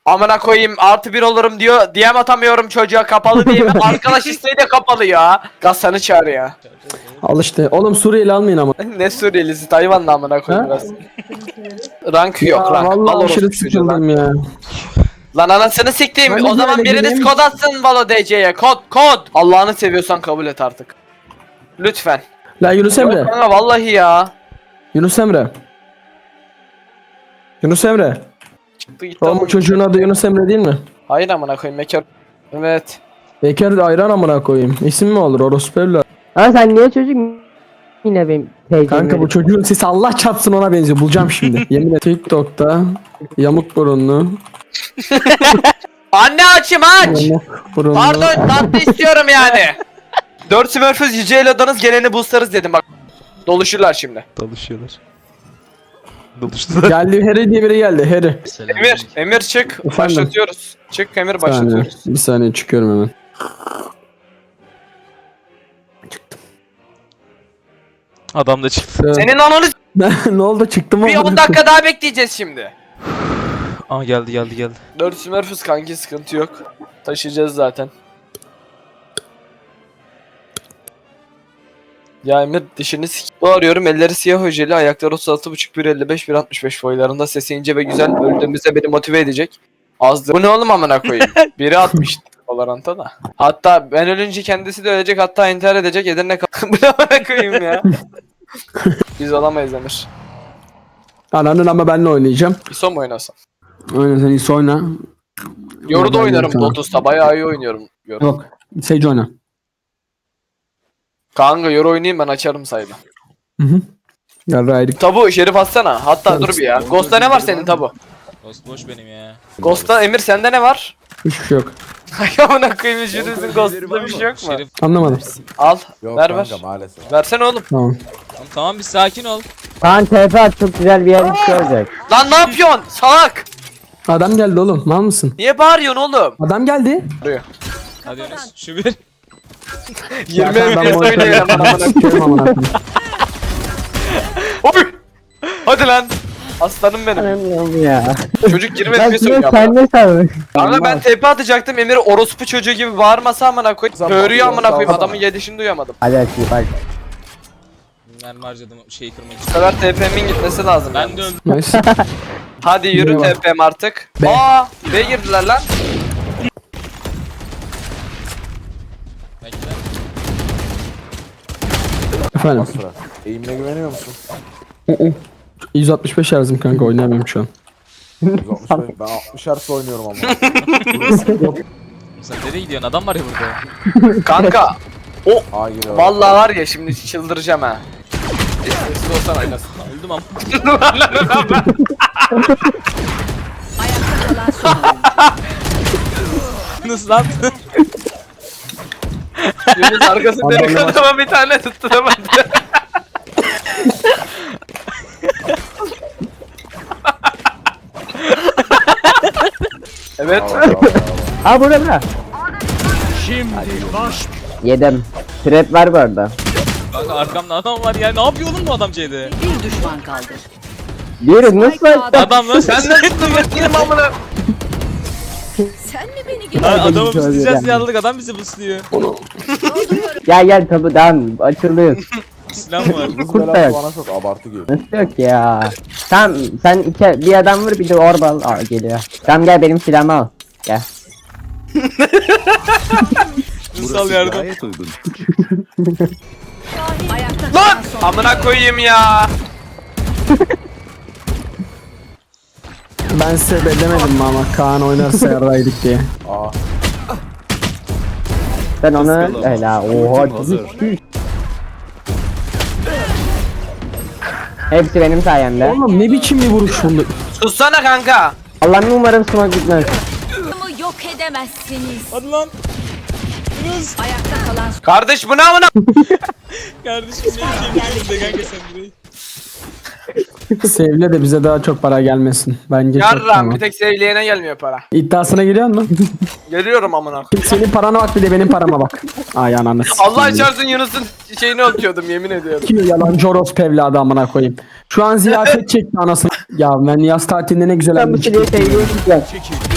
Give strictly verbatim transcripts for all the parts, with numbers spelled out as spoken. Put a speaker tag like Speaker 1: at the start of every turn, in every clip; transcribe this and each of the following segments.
Speaker 1: Amına koyayım artı bir olurum diyor. D M atamıyorum çocuğa kapalı diye mi? Arkadaş isteği de kapalı ya. Gassan'ı çağır ya.
Speaker 2: Al işte. Oğlum Suriyeli almayın ama.
Speaker 1: Ne Suriyelisi Tayvan'la amına koyayım
Speaker 2: Ha?
Speaker 1: biraz. Rank yok
Speaker 2: Ya
Speaker 1: rank. Al
Speaker 2: vallahi
Speaker 1: orospu
Speaker 2: aşırı
Speaker 1: çocuğu lan.
Speaker 2: sıkıldım ya.
Speaker 1: Lan anasını siktiğim.
Speaker 2: Ben de
Speaker 1: O zaman
Speaker 2: böyle
Speaker 1: biriniz
Speaker 2: gireyim.
Speaker 1: kod atsın Valo D C'ye. Kod kod. Allah'ını seviyorsan kabul et artık. Lütfen.
Speaker 2: La Yunus
Speaker 1: Yok
Speaker 2: Emre.
Speaker 1: kanka vallahi ya.
Speaker 2: Yunus Emre. Yunus Emre.
Speaker 1: Çıktı gitti.
Speaker 2: Oğlum bu çocuğun adı Yunus Emre değil mi?
Speaker 1: Hayır amına koyayım Meker. Evet.
Speaker 2: Bekar da ayran amına koyayım. İsim mi olur orospu evladı?
Speaker 3: Ama sen niye çocuk yine benim teyzem?
Speaker 2: Kanka bu çocuğun sesi Allah çarpsın ona benziyor. Bulacağım şimdi. Yemin ederim. TikTok'ta yamuk burunlu.
Speaker 1: Anne açım aç.
Speaker 2: Yamuk burunlu.
Speaker 1: Pardon tatlı istiyorum yani. Dört Smurfs Yüce Elodanız geleni boostlarız dedim bak. Doluşurlar şimdi.
Speaker 4: Dalışıyorlar. Dalıştılar.
Speaker 2: Geldi Harry diye biri geldi. Harry.
Speaker 1: Emir, Emir çık.
Speaker 2: Efendim?
Speaker 1: Başlatıyoruz. Çık Emir
Speaker 2: Bir saniye.
Speaker 1: başlatıyoruz.
Speaker 2: Bir saniye çıkıyorum hemen.
Speaker 4: Adam da çıktı.
Speaker 1: Senin ananı s-
Speaker 2: Ne oldu çıktım mı?
Speaker 1: bir on dakika daha bekleyeceğiz şimdi.
Speaker 4: Aa geldi geldi geldi.
Speaker 1: Dört Smurfs kanki sıkıntı yok. Taşıyacağız zaten. Ya Emir dişini sik... Bağırıyorum elleri siyah hojeli, ayakları otuz altı buçuk, bir elli beş, bir altmış beş boylarında, sesi ince ve güzel, öldüğümüzde beni motive edecek. Azdır. Bu ne oğlum amına koyayım? Biri atmış Valorant'a da. Hatta ben ölünce kendisi de ölecek, hatta intihar edecek, Edirne kal... Bu ne amına koyayım ya? Biz olamayız Emir.
Speaker 2: Ananın ama benle oynayacağım.
Speaker 1: İso mu oynasam?
Speaker 2: Aynen sen iyisi oyna.
Speaker 1: Yoru da
Speaker 2: Ben
Speaker 1: oynarım
Speaker 2: tamam.
Speaker 1: Lotus'ta, bayağı iyi oynuyorum. Yoru.
Speaker 2: Yok. Sage oyna.
Speaker 1: Kanka Yoru oynayayım ben açarım saydı.
Speaker 2: Hı hı. Yarra ayrık.
Speaker 1: Tabu Şerif atsana. Hatta dur bir ya. Ghost'ta ne var senin Tabu?
Speaker 4: Ghost boş benim ya.
Speaker 1: Ghost'ta Emir sende ne var?
Speaker 2: Hiçbir şey yok.
Speaker 1: Ay amına koyayım Şerif'in Ghost'ta bir şey yok mu?
Speaker 4: Şerif.
Speaker 2: Anlamadım.
Speaker 1: Al.
Speaker 5: Yok
Speaker 1: ver
Speaker 5: kanka
Speaker 1: ver.
Speaker 5: maalesef.
Speaker 1: Versene oğlum.
Speaker 2: Tamam.
Speaker 4: Tamam, tamam bir sakin ol.
Speaker 3: Kaan T F at çok güzel bir yer olacak.
Speaker 1: Lan ne yapıyorsun? Salak.
Speaker 2: Adam geldi oğlum. Mal mısın?
Speaker 1: Niye bağırıyorsun oğlum?
Speaker 2: Adam geldi.
Speaker 4: Hadi Yunus. Şu bir.
Speaker 1: yirmi
Speaker 2: Ya ben
Speaker 1: F P S
Speaker 2: monitörü
Speaker 1: oynayalım amına koyayım.
Speaker 2: sikerim amına koyayım.
Speaker 1: Oy! Hadi lan. Aslanım benim.
Speaker 3: Anlamıyorum ya.
Speaker 1: Çocuk yirmi
Speaker 3: Ben
Speaker 1: F P S
Speaker 3: size
Speaker 1: oynuyor.
Speaker 3: sen ne sandın?
Speaker 1: Kanka ben T P atacaktım. Emir orospu çocuğu gibi bağırmasa amına koyayım.
Speaker 5: Zaman-
Speaker 1: Böğürüyor amına koyayım.
Speaker 5: Zaman-
Speaker 1: Adamın yedişini duyamadım.
Speaker 3: Hadi açayım bak.
Speaker 4: Mermi harcadım şeyi kırmak
Speaker 1: Bu
Speaker 4: için.
Speaker 1: sefer T P'min gitmesi lazım.
Speaker 4: Ben
Speaker 1: yani.
Speaker 4: de öldüm.
Speaker 2: Nice.
Speaker 1: Hadi yürü
Speaker 2: B'ye
Speaker 1: T P'm artık.
Speaker 2: B.
Speaker 1: Aa, B girdiler lan.
Speaker 4: Bekle.
Speaker 2: Efendim.
Speaker 5: Sıra. Eğimine güveniyor musun?
Speaker 2: yüz altmış beş Hz'im kanka oynayamıyorum şu an.
Speaker 5: yüz altmış beş, ben altmış hertz oynuyorum ama.
Speaker 4: Sen nereye gidiyorsun? Adam var ya burada.
Speaker 1: Kanka.
Speaker 5: A giriyor.
Speaker 1: Vallahi var ya şimdi çıldıracağım ha. Sesli olsan aynasın.
Speaker 4: Öldüm ama. Yunus lan.
Speaker 1: Yunus arkasında dönük adama bir tane tutturamadı. Evet.
Speaker 3: Aa burada burada. Yedim. Trap var bu arada.
Speaker 4: Kanka arkamda adam var ya. Ne yapıyor oğlum bu adam C'de?
Speaker 6: Bir düşman kaldı.
Speaker 3: Diyorum nasıl açtın?
Speaker 4: Adam lan.
Speaker 1: Sen de tuttun benim amına.
Speaker 6: Sen mi beni
Speaker 4: Lan
Speaker 6: getirdin?
Speaker 4: adamı
Speaker 3: Şöyle
Speaker 4: buslayacağız
Speaker 3: yani.
Speaker 4: diye aldık. Adam bizi busluyor.
Speaker 3: Gel gel tabi devam. Açılıyor.
Speaker 4: Silah mı var?
Speaker 5: Kız
Speaker 3: Kurt da
Speaker 5: belası
Speaker 3: yok.
Speaker 5: bana çok abartı geliyor.
Speaker 3: Nasıl yok ya? Tamam sen iki, bir adam vur bir de orba al. Aa, geliyor. Tamam gel benim silahımı al. Gel.
Speaker 4: Yunus al yardım.
Speaker 6: Ayakta
Speaker 1: Lan!
Speaker 6: kalan son.
Speaker 1: Amına koyayım ya.
Speaker 2: Ben size bellemedim mi ama Kaan oynarsa yarraydık diye.
Speaker 5: A.
Speaker 3: Sen onu öyle ha. Oha. Hepsi benim sayemde.
Speaker 2: Oğlum ne biçim bir vuruş buldu.
Speaker 1: Sussana kanka.
Speaker 3: Allah'ım umarım smoke gitmez.
Speaker 6: Adamı yok edemezsiniz.
Speaker 4: Hadi lan. Yunus.
Speaker 6: Ayakta kalan son.
Speaker 1: Kardeş bu ne amına?
Speaker 4: Kardeşim ne diyeceğimi bilmiyorum de kanka sen burayı.
Speaker 2: Sevle de bize daha çok para gelmesin. Bence çok
Speaker 1: Yarram
Speaker 2: tamam.
Speaker 1: bir tek sevleyene gelmiyor para.
Speaker 2: İddiasına giriyor musun?
Speaker 1: Geliyorum amına koyayım.
Speaker 2: Senin parana bak bir de benim parama bak. Ay ananı
Speaker 1: Allah
Speaker 2: sikeyim.
Speaker 1: çarpsın Yunus'un şeyini okuyordum yemin ediyorum.
Speaker 2: Kim yalancı orospu evladı amına koyayım. Şu an ziyafet çekti anasını. Ya ben yaz tatilinde ne güzel
Speaker 3: Ben bu
Speaker 2: anladım.
Speaker 3: silahı seviyorum ya.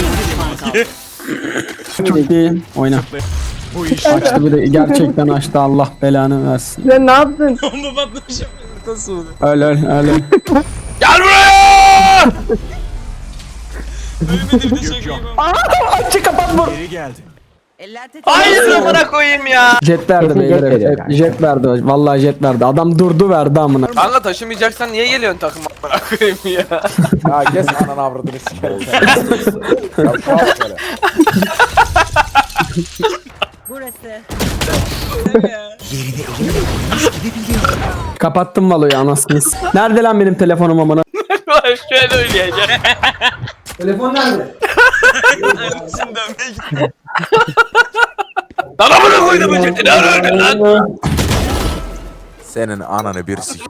Speaker 2: Çok iyi. Oyna. Açtı bir de gerçekten açtı Allah belanı versin.
Speaker 3: Sen ne yaptın?
Speaker 4: Bomba patlamışım. Nasıl oldu?
Speaker 2: Öl öl öl. öl.
Speaker 1: Gel buraya!
Speaker 4: Ölmedi bir de şey koyayım.
Speaker 2: Açı kapat vur.
Speaker 1: Hayır amına koyayım ya.
Speaker 2: Jet verdi
Speaker 3: Kesin
Speaker 2: beyler.
Speaker 3: jet veriyor
Speaker 2: Hep
Speaker 3: kanka.
Speaker 2: jet verdi. Vallahi jet verdi. Adam durdu verdi amına.
Speaker 1: Kanka taşımayacaksan niye geliyorsun takım amına koyayım ya?
Speaker 5: Ya kes ananı avradını sikerim seni. Ya şu an böyle.
Speaker 6: Burası.
Speaker 2: Kapattım valoyu anasını. s- Nerede lan benim telefonum amına?
Speaker 1: Şöyle oynayacağım.
Speaker 2: Telefon nerede?
Speaker 4: Şimdi dönmeye gitti.
Speaker 1: Lan amına koydum bu ciddi lan öyle lan.
Speaker 5: Senin ananı bir sik.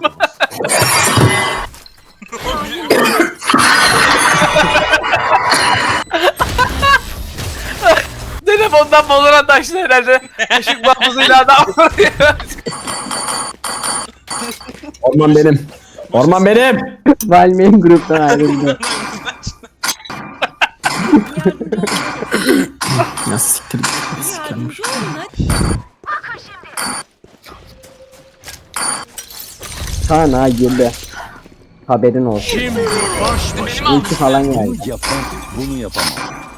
Speaker 1: Telefondan Valorant açtı herhalde. Işık bambuzuyla adam vuruyor.
Speaker 2: Orman benim. Orman benim.
Speaker 3: Valmeyin gruptan ayrıldı.
Speaker 2: Ya siktir git. Sikermiş.
Speaker 3: Kaan ha girdi. Haberin olsun. İlki falan geldi.
Speaker 7: Yapan bunu yapamam.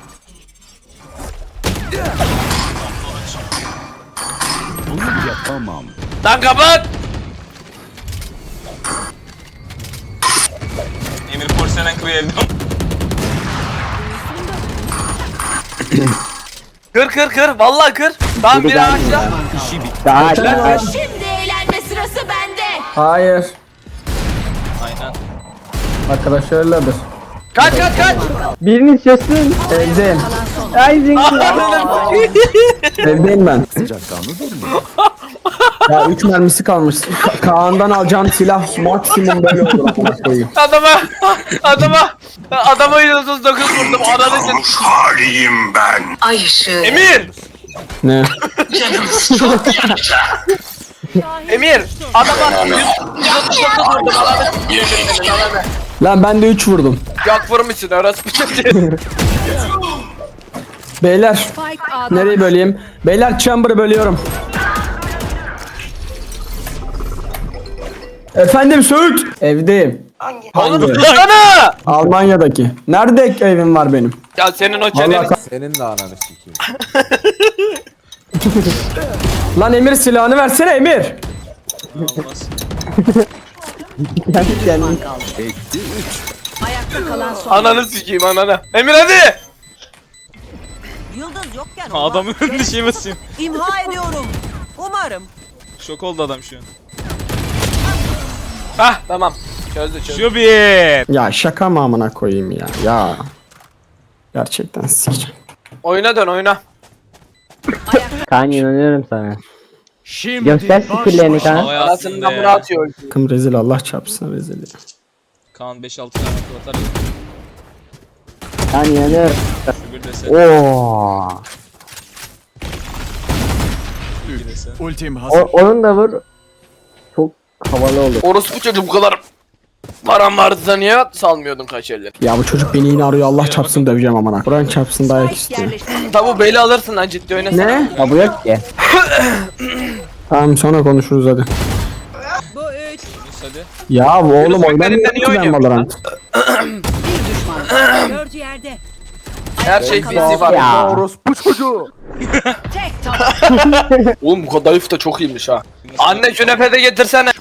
Speaker 7: Bunu yapamam.
Speaker 1: Lan kapat.
Speaker 4: Emir porselen kırıyor evde.
Speaker 1: Kır kır kır vallahi kır. Tamam
Speaker 3: Biri
Speaker 1: bir
Speaker 3: geldi
Speaker 1: ağaçla.
Speaker 3: ya.
Speaker 7: İşi bitti.
Speaker 3: Daha
Speaker 6: Şimdi eğlenme sırası bende.
Speaker 2: Hayır.
Speaker 4: Aynen.
Speaker 2: Arkadaş öyledir.
Speaker 1: Kaç kaç kaç.
Speaker 3: Biriniz çözsün.
Speaker 2: Evdeyim.
Speaker 3: Ay zengin.
Speaker 2: Evdeyim ben.
Speaker 7: Sıcakkanlı durma.
Speaker 2: Ya üç mermisi kalmış. Ka- Kaan'dan alacağın silah maksimum böyle olur amına koyayım.
Speaker 1: Adama adama adama yüz otuz dokuz vurdum ananı sen.
Speaker 8: haliyim ben. Ay ışığı.
Speaker 1: Emir!
Speaker 2: Ne?
Speaker 1: Emir! Adama yüz otuz dokuz vurdum ananı s**eyim ananı.
Speaker 2: Lan ben de üç vurdum.
Speaker 1: Yok vurmuşsun orası bir şey.
Speaker 2: Beyler
Speaker 6: Spike A'da.
Speaker 2: nereyi böleyim? Beyler chamber'ı bölüyorum. Efendim Söğüt. Evdeyim.
Speaker 1: Oğlum
Speaker 2: Hangi?
Speaker 1: tutsana!
Speaker 2: Almanya'daki. Nerede evim var benim?
Speaker 1: Ya senin o
Speaker 2: Vallahi
Speaker 1: çeneni
Speaker 2: ka-
Speaker 5: Senin de ananı sikeyim.
Speaker 2: Lan Emir silahını versene Emir.
Speaker 4: Olmaz.
Speaker 3: Kendi kendine.
Speaker 7: Etti üç.
Speaker 6: Ayakta kalan son.
Speaker 1: ananı sikeyim ananı. Emir hadi!
Speaker 9: Yıldız yokken
Speaker 4: Adamın önünde şey basayım.
Speaker 9: imha ediyorum. Umarım.
Speaker 4: Şok oldu adam şu an.
Speaker 1: Hah tamam. Çözdü çözdü.
Speaker 4: Şu bir.
Speaker 2: Ya şaka mı amına koyayım ya. Ya. Gerçekten sikeceğim.
Speaker 1: Oyuna dön oyuna.
Speaker 3: Kaan inanıyorum sana. Göster skillerini Kaan.
Speaker 4: Vay
Speaker 1: Anasını
Speaker 4: aslında
Speaker 1: namına
Speaker 4: ya.
Speaker 1: atıyor.
Speaker 2: Kım rezil Allah çarpsın rezil ya.
Speaker 4: Kaan beş altı tane akıl atar ya.
Speaker 3: Kaan inanıyorum.
Speaker 4: Şu bir dese.
Speaker 3: Oo.
Speaker 4: iki dese.
Speaker 7: Ultim
Speaker 3: O,
Speaker 7: hazır.
Speaker 3: onun da vur. Çok havalı olur.
Speaker 1: Orospu çocuğu bu kadar param vardı da niye salmıyordun kaç elleri?
Speaker 2: Ya bu çocuk beni yine arıyor Allah çarpsın döveceğim amına. Buran çarpsın dayak
Speaker 6: Spike
Speaker 2: istiyor.
Speaker 6: yerleştirildi.
Speaker 1: Tabu beli alırsın lan ciddi oynasana.
Speaker 2: Ne?
Speaker 3: Ha bu yok ki.
Speaker 2: Tamam sonra konuşuruz hadi.
Speaker 6: Bu üç.
Speaker 4: Yunus hadi.
Speaker 2: Ya bu oğlum
Speaker 1: Yunus
Speaker 2: oynamıyorum
Speaker 1: Bekler'in de niye
Speaker 2: ki ben
Speaker 1: oynuyormuş
Speaker 2: Valorant.
Speaker 6: Bir düşman. Dördü yerde.
Speaker 1: Her şey
Speaker 6: Ayakta
Speaker 1: bizi
Speaker 6: kalan
Speaker 1: var.
Speaker 3: Ya.
Speaker 5: Orospu çocuğu.
Speaker 6: tek taban.
Speaker 1: Oğlum bu kadayıf da çok iyiymiş ha. Anne künefe de getirsene.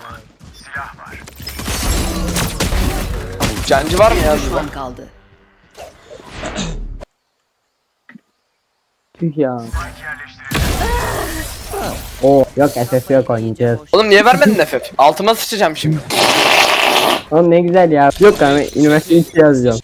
Speaker 1: Cancı var mı ya?
Speaker 6: Düşman kaldı.
Speaker 3: Tüh ya. Oo yok S F yok oynayacağız.
Speaker 1: Oğlum niye vermedin F F? Altıma sıçacağım şimdi.
Speaker 3: Oğlum ne güzel ya. Yok ama üniversite üçü yazacağım.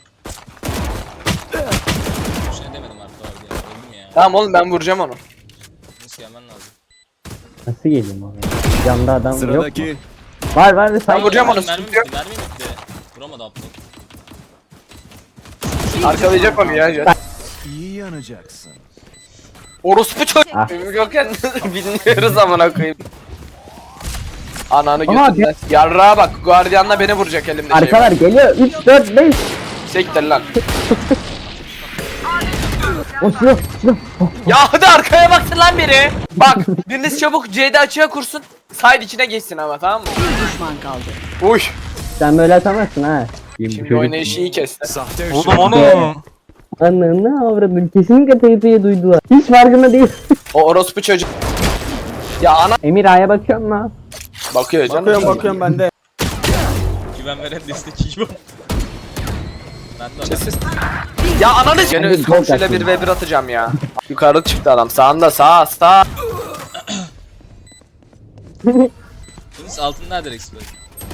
Speaker 4: Bir şey demedim artık abi ya. Öldüm ya.
Speaker 1: Tamam oğlum ben vuracağım onu.
Speaker 4: Nasıl gelmen lazım?
Speaker 3: Nasıl geleyim abi? Yanında adam yok mu?
Speaker 7: Sıradaki
Speaker 3: Var var
Speaker 1: Ben
Speaker 3: say.
Speaker 1: vuracağım onu.
Speaker 4: Mermi
Speaker 1: Sıkıntı
Speaker 4: bitti,
Speaker 1: yok.
Speaker 4: mermi bitti. Vuramadı aptal.
Speaker 1: Arkalayacak onu ya. Jet.
Speaker 7: İyi yanacaksın.
Speaker 1: Orospu çocuk.
Speaker 3: Ah.
Speaker 1: Gökhan bilmiyoruz amına koyayım. Ananı
Speaker 3: Aha,
Speaker 1: götünden. Yarrağa bak. Guardian'la beni vuracak elimde şey.
Speaker 3: Arkalar geliyor. üç dört beş.
Speaker 1: Sektir lan.
Speaker 3: O silah silah.
Speaker 1: Ya hadi arkaya baksın lan biri. Bak biriniz çabuk C'de açığa kursun. Side içine geçsin ama, tamam mı?
Speaker 6: Bir düşman kaldı.
Speaker 1: Uy.
Speaker 3: Sen böyle atamazsın ha.
Speaker 1: Şimdi oynayışı iyi kesti.
Speaker 7: Sahte
Speaker 4: Oğlum onu.
Speaker 3: Ananı avradın. Kesinlikle teyzeyi duydular. Hiç farkında değil.
Speaker 1: O orospu çocuk. Ya ana
Speaker 3: Emir A'ya bakıyor mu?
Speaker 1: bakıyor canım.
Speaker 2: Bakıyorum bakıyorum ben de.
Speaker 4: Güven veren destek iyi bu. Ben de adam.
Speaker 1: Sessiz. Ya ananı s- Yine üst komşuyla bir ve bir atacağım ya. Yukarı çıktı adam. Sağında sağ sağ.
Speaker 4: Bunun altın nerede Rex böyle?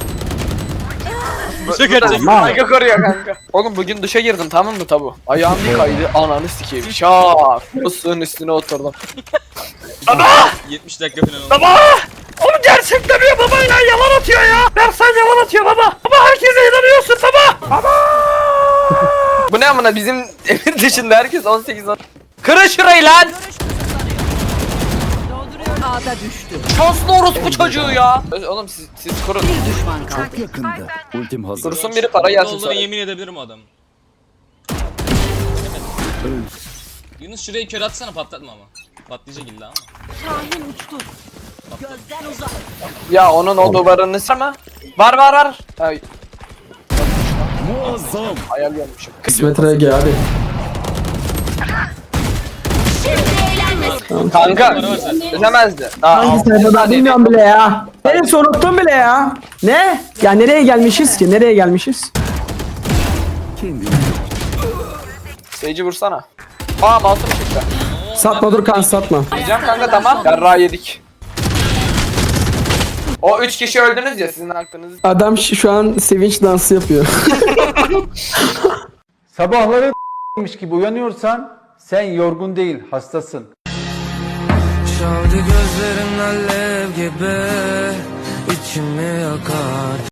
Speaker 4: Duşa gelecek.
Speaker 1: Saygı koruyor kanka. Oğlum bugün duşa girdim, tamam mı tabu? Ayağım bir kaydı, ananı sikeyim. Şak. Musluluğun üstüne oturdum.
Speaker 4: yetmiş dakika falan oldu.
Speaker 1: Baba! Oğlum gerçekten ya, baba ya yalan atıyor ya. Bersan yalan atıyor baba. Baba herkese inanıyorsun baba. Baba! Bu ne amına, bizim evin dışında herkes on sekiz on. Kırın şurayı lan.
Speaker 6: Dolduruyorum. A'da düştü.
Speaker 1: Şanslı orospu çocuğu ya. Oğlum siz, siz kurun.
Speaker 6: Bir düşman kaldı.
Speaker 7: çok yakında. Ultim hazır.
Speaker 1: Kurusun biri, para gelsin
Speaker 4: Olduğuna
Speaker 1: sonra.
Speaker 4: yemin edebilirim o adam. Yunus şurayı kör atsana, patlatma ama. Patlayacak illa ama.
Speaker 6: Şahin uçtu. Gözden uzak.
Speaker 1: Ya onun o duvarını ama. Var var var. Ay,
Speaker 7: Muazzam.
Speaker 1: hayal görmüşüm.
Speaker 2: Kısmet R G hadi.
Speaker 1: Kanka,
Speaker 4: Para var zaten.
Speaker 1: ödemezdi. Daha
Speaker 2: Hangi
Speaker 1: altı
Speaker 2: sayfada
Speaker 1: saniye
Speaker 2: bilmiyorum bile ya. Neresi unuttum bile ya. Ne? Ya nereye gelmişiz ki? Nereye gelmişiz?
Speaker 7: Kendini
Speaker 1: Seyirci vursana. Aa masum çıktı.
Speaker 2: Satma dur kan satma.
Speaker 1: Diyeceğim kanka, tamam. Yarrağı yedik. O üç kişi öldünüz ya, sizin aklınız.
Speaker 2: Adam şu şu an sevinç dansı yapıyor.
Speaker 5: Sabahları gibi uyanıyorsan sen yorgun değil, hastasın.
Speaker 10: Çaldı gözlerin alev gibi içimi yakar.